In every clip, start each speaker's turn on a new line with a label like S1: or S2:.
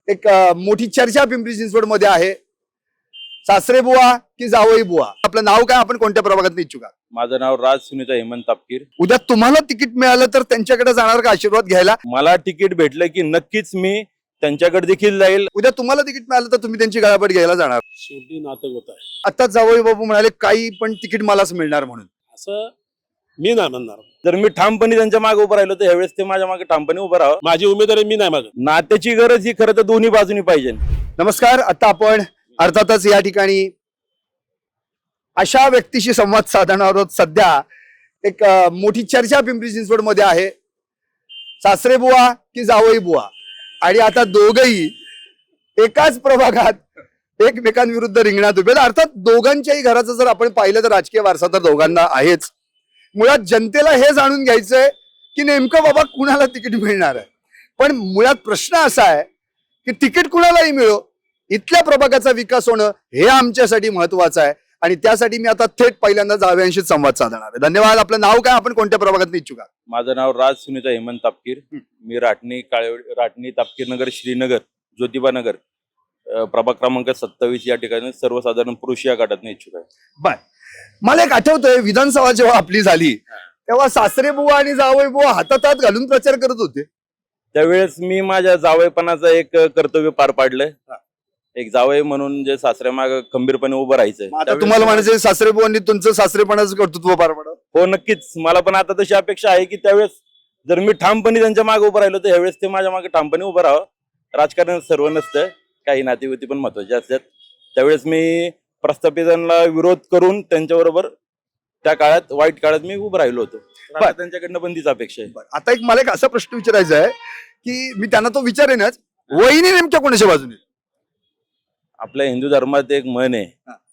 S1: एक मोठी चर्चा पिंपरी चिंचवड मध्ये आहे. सासरे बुवा की जावई बुवा, आपलं नाव काय, आपण कोणत्या प्रभागात इच्छुक आहात?
S2: माझं नाव राज सुनीता हेमंत तापकीर.
S1: उद्या तुम्हाला तिकीट मिळालं तर त्यांच्याकडे जाणार का आशीर्वाद घ्यायला?
S2: मला तिकीट भेटलं की नक्कीच मी त्यांच्याकडे देखील जाईल.
S1: उद्या तुम्हाला तिकीट मिळालं तर तुम्ही त्यांची गळापट घ्यायला जाणार?
S3: शेवटी नातं होत आहे
S1: आता जावई बाबू म्हणाले काही पण तिकीट मलाच मिळणार म्हणून.
S3: असं मी नाही म्हणणार.
S2: जर मी ठामपणे त्यांच्या मागे उभं राहिलो तर ह्यावेळेस ते माझ्या मागे ठामपणे उभं राहावं.
S3: माझी उमेदवारी मी नाही मागत.
S2: नात्याची गरज ही खरं तर दोन्ही बाजूनी पाहिजे.
S1: नमस्कार. आता आपण अर्थातच या ठिकाणी अशा व्यक्तीशी संवाद साधणार आहोत. सध्या एक मोठी चर्चा पिंपरी चिंचवड मध्ये आहे. सासरे बुवा की जावई बुवा, आणि आता दोघही एकाच प्रभागात एकमेकांविरुद्ध रिंगणात उभे. अर्थात दोघांच्याही घराचं जर आपण पाहिलं तर राजकीय वारसा तर दोघांना आहेच. मुळात जनतेला हे जाणून घ्यायचंय की नेमकं बाबा कुणाला तिकीट मिळणार आहे. पण मुळात प्रश्न असा आहे की तिकीट कुणालाही मिळो, इथल्या प्रभागाचा विकास होणं हे आमच्यासाठी महत्वाचं आहे. आणि त्यासाठी मी आता थेट पहिल्यांदा जावयांशी संवाद साधणार आहे. धन्यवाद. आपलं नाव काय, आपण कोणत्या प्रभागात इच्छुक आहात?
S2: माझं नाव राज सुनीता हेमंत तापकीर. मी राटणी तापकीर नगर, श्रीनगर, ज्योतिबा नगर, प्रभाग क्रमांक 27 या ठिकाणी सर्वसाधारण पुरुष या गटात इच्छुक आहे.
S1: बर, मला एक आठवतंय, विधानसभा जेव्हा आपली झाली तेव्हा सासरे बुवा आणि जावई बुवा हातात हात घालून प्रचार करत होते.
S2: त्यावेळेस मी माझ्या जावईपणाचं एक कर्तव्य पार पाडलंय. एक जावई म्हणून जे सासऱ्या माग खंबीरपणे उभं राहायचं.
S1: आता तुम्हाला म्हणायचं सासरे बुवांनी तुमचं सासरेपणाचं कर्तृत्व पार पाडावं.
S2: हो, नक्कीच. मला पण आता तशी अपेक्षा आहे की त्यावेळेस जर मी ठामपणे त्यांच्या मागे उभं राहिलो तर ह्यावेळेस ते माझ्या मागे ठामपणे उभं राहावं. राजकारण सर्व नसतं, काही नातेवाईक पण महत्वाचे असतात. त्यावेळेस मी प्रस्थापितांना विरोध करून त्यांच्याबरोबर त्या काळात, वाईट काळात मी उभं राहिलो होतो. आता त्यांच्याकडनं पण तीच अपेक्षा आहे.
S1: आता एक मला एक असा प्रश्न विचारायचा आहे की मी त्यांना तो विचारेनच, वहिनी नेमक्या कोणाच्या बाजूने?
S2: आपल्या हिंदू धर्मात एक म्हण आहे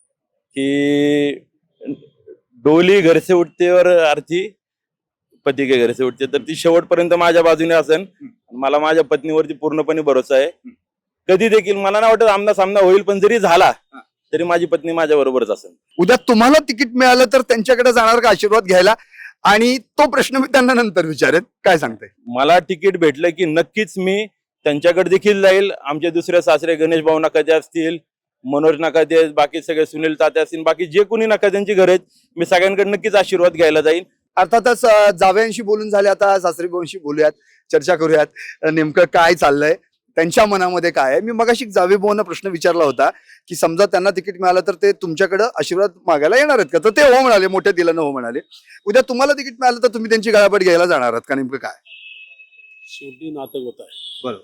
S2: की डोली घर से उठते और अर्थी पती के घर से उठते. तर ती शेवटपर्यंत माझ्या बाजूने असेल. मला माझ्या पत्नीवरती पूर्णपणे भरोसा आहे. कधी देखील मला नाही वाटत आमना सामना होईल, पण जरी झाला तरी माझी पत्नी माझ्या बरोबरच असेल.
S1: उद्या तुम्हाला तिकीट मिळालं तर त्यांच्याकडे जाणार का आशीर्वाद घ्यायला? आणि तो प्रश्न मी त्यांना नंतर विचारेन. काय सांगते?
S2: मला तिकीट भेटलं की नक्कीच मी त्यांच्याकडे देखील जाईल. आमचे दुसरे सासरे गणेश भाऊ नकाते असतील, मनोज नकाते, बाकी सगळे सुनील ताते असतील, बाकी जे कोणी नकात्यांची घर आहेत, मी सगळ्यांकडे नक्कीच आशीर्वाद घ्यायला जाईल.
S1: अर्थातच जावयांशी बोलून झाले, आता सासरी भाऊंशी बोलूयात, चर्चा करूयात नेमकं काय चाललंय, त्यांच्या मनामध्ये काय आहे. मी मगाशी जावे भाऊंना प्रश्न विचारला होता की समजा त्यांना तिकीट मिळालं तर ते तुमच्याकडे आशीर्वाद मागायला येणार आहेत का? तर ते हो म्हणाले, मोठ्या दिलानं हो म्हणाले. उद्या तुम्हाला तिकीट मिळालं तर तुम्ही त्यांची गळापट घ्यायला जाणार आहात का? नेमकं काय?
S3: शेवटी नातं होत आहे.
S1: बरोबर.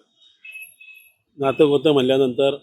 S3: नातं होतं म्हणल्यानंतर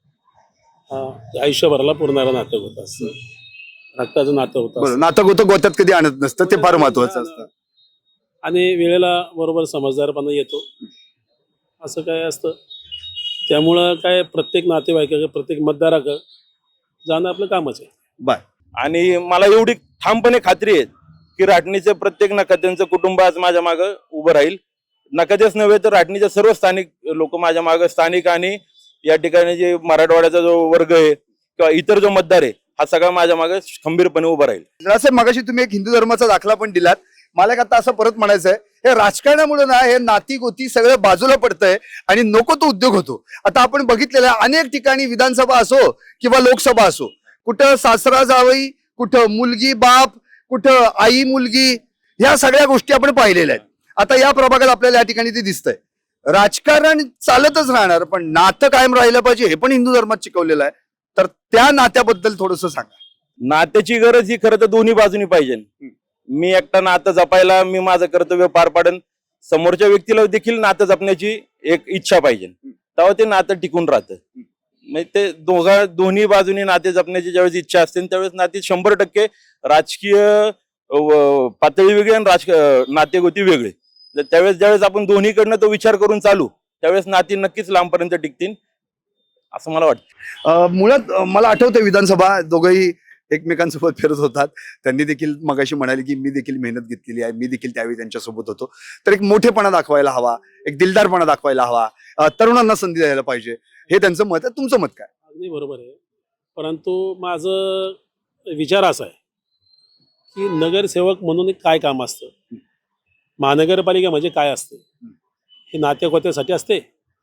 S3: ते आयुष्यभराला पुरणारं नातं होतं असतं. रक्ताचं नातं होतं
S1: बरोबर. नातं गोतं गोत्यात कधी आणत नसतं, ते फार महत्वाचं असतं.
S3: आणि वेळेला बरोबर समजदारपणा येतो, असं काय असतं. त्यामुळं काय प्रत्येक नातेवाईकाकडे, प्रत्येक मतदाराकडे जाणं आपलं कामच आहे.
S1: बाय.
S2: आणि मला एवढी ठामपणे खात्री आहे की राटणीचे प्रत्येक नकात्यांचं कुटुंब आज माझ्या मागं उभं राहील. नकातेच नव्हे तर राटणीचे सर्व स्थानिक लोक माझ्या मागं, स्थानिक आणि या ठिकाणी जे मराठवाड्याचा जो वर्ग आहे किंवा इतर जो मतदार आहे, हा सगळा माझ्या मागे खंबीरपणे उभा राहील.
S1: जरासे मगाशी तुम्ही एक हिंदू धर्माचा दाखला पण दिलात. मला एक आता असं परत म्हणायचंय, हे राजकारणामुळे ना हे नाती गोती सगळं बाजूला पडतंय आणि नको तो उद्योग होतो. आता आपण बघितलेलं आहे अनेक ठिकाणी, विधानसभा असो किंवा लोकसभा असो, कुठं सासरा जावई, कुठं मुलगी बाप, कुठं आई मुलगी, ह्या सगळ्या गोष्टी आपण पाहिलेल्या आहेत. आता या प्रभागात आपल्याला या ठिकाणी ते दिसतंय. राजकारण चालतच राहणार, पण नातं कायम राहिलं पाहिजे हे पण हिंदू धर्मात शिकवलेलं आहे. तर त्या नात्याबद्दल थोडंसं सांगा.
S2: नात्याची गरज ही खरं तर दोन्ही बाजूनी पाहिजे. मी एकटा नातं जपायला मी माझं कर्तव्य पार पाडेन, समोरच्या व्यक्तीला देखील नातं जपण्याची एक इच्छा पाहिजे, तेव्हा ते नातं टिकून राहतं. म्हणजे ते दोन्ही बाजूनी नाते जपण्याची ज्यावेळेस इच्छा असते त्यावेळेस नाती 100% राजकीय पातळी वेगळी आणि नातेगोती वेगळे. त्यावेळेस ज्यावेळेस आपण दोन्हीकडनं तो विचार करून चालू, त्यावेळेस नाती नक्कीच लांबपर्यंत टिकतील असं मला वाटतं.
S1: मुळात मला आठवतं विधानसभा दोघंही एकमेकांसोबत फिरत होतात. त्यांनी देखील मगाशी म्हणाले की मी देखील मेहनत घेतलेली आहे, मी देखील त्यावेळी त्यांच्यासोबत होतो. तर एक मोठेपणा दाखवायला हवा, एक दिलदारपणा दाखवायला हवा, तरुणांना संधी द्यायला पाहिजे, हे त्यांचं मत आहे. तुमचं मत काय?
S3: अगदी बरोबर आहे. परंतु माझं विचार असा आहे की नगरसेवक म्हणून एक काय काम असतं, महानगरपालिका म्हणजे काय असते, हे नातेगोत्यासाठी असते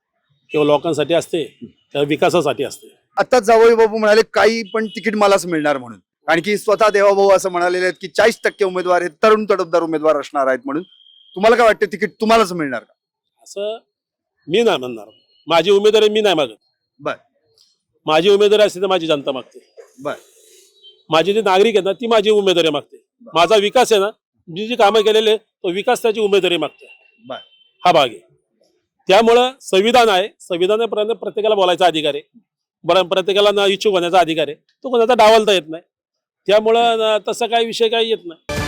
S3: किंवा लोकांसाठी असते किंवा विकासासाठी असते.
S1: आता जावई बाबू म्हणाले काही पण तिकीट मलाच मिळणार म्हणून, आणखी स्वतः देवाभाऊ असं म्हणालेले आहेत की 40% उमेदवार हे तरुण तडफदार उमेदवार असणार आहेत म्हणून. तुम्हाला काय वाटतं तिकीट तुम्हालाच मिळणार का?
S3: असं मी नाही म्हणणार. माझी उमेदवारी मी नाही मागत.
S1: बर
S3: माझी उमेदवारी असते तर माझी जनता मागते.
S1: बर
S3: माझी जी नागरिक आहेत ना ती माझी उमेदवारी मागते. माझा विकास आहे ना, मी जी कामं केलेले तो विकास त्याची उमेदवारी मागते.
S1: बर
S3: हा भाग आहे. त्यामुळं संविधान आहे, संविधानापर्यंत प्रत्येकाला बोलायचा अधिकार आहे. बरं, प्रत्येकाला इच्छुक होण्याचा अधिकार आहे. तो कोणाचा डावलता येत नाही. त्यामुळं तसं काही विषय काही येत नाही.